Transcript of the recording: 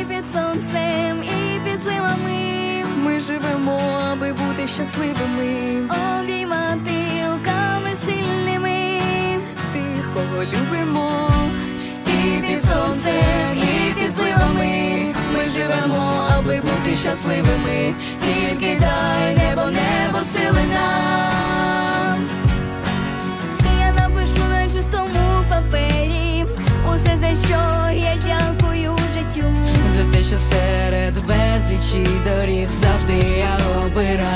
і під сонцем, і під зливами. Ми живемо, аби бути щасливими, обіймати руками сильними тих, кого любимо. І під сонцем, і під зливами. Ми живемо, аби бути щасливими. Тільки дай небо сили нам. Я напишу на чистому папері усе, за що я дякую життю. За те, що серед безлічі доріг завжди я обираю